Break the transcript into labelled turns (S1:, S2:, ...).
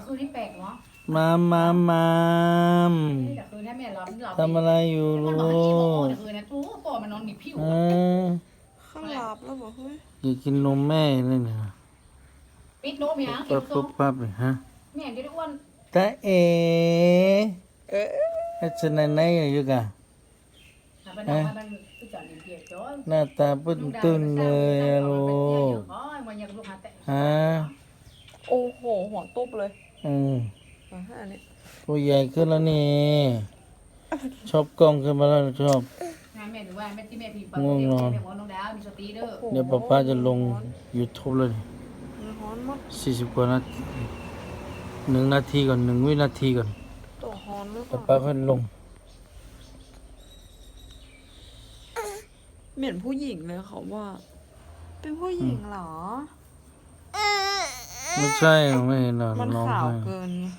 S1: คืนนี่แปลกเนาะ
S2: มาม
S1: แต่คืนนี้แม่หลับ
S2: ทำอะไรอยู่
S1: มัน
S2: ลู
S1: นอนที่โม
S2: ก
S1: แต่คืนนั้นตู้ปอมันนอนหนีผิว
S2: เออ
S3: ข้างหลับแล้วบอกเฮ้ย
S2: อยากกินนมแม่เลยนะ
S1: ปิดโน้มยัง
S2: ปั๊บปั๊บปั๊บเลยฮะ
S1: แม่จะได้อ้วน
S2: ตาเอ๋ไอ้ชนไหนอยู่กะ
S1: มันนอนมันจอดเดียวจ้อย
S2: หน้าตาปุ้นตุ้นเลยอะลูก
S1: มันยังลูกหาแต่
S2: ฮะ
S3: โอ้โหหัวตุ๊บเลย อันนี้
S2: ตัวใหญ่ขึ้นแล้วนี่ ชอบกล้องขึ้นมาแล้วชอบ
S1: งานแม่หรือว่าแม่ที่แม่พิมพ์ไปแม่บอกน้องดาวมีสตีเด้อ
S2: เดี๋ยวป้าจะลง YouTube เลย
S3: มันฮ้อนมาก
S2: 40 กว่านาที1 นาทีก่อน1 วินาทีก่อน
S3: ตัวฮ้อนหรือเป
S2: ป้า
S3: ล่า
S2: ค่อยลง
S3: เหมือนผู้หญิงเลยเขาว่า เป็นผู้หญิงเหรอ
S2: ไม่ใช่ไม่เห็นหรอก
S3: มัน
S2: ร้อง
S3: ขาว
S2: ไห้
S3: เกินไง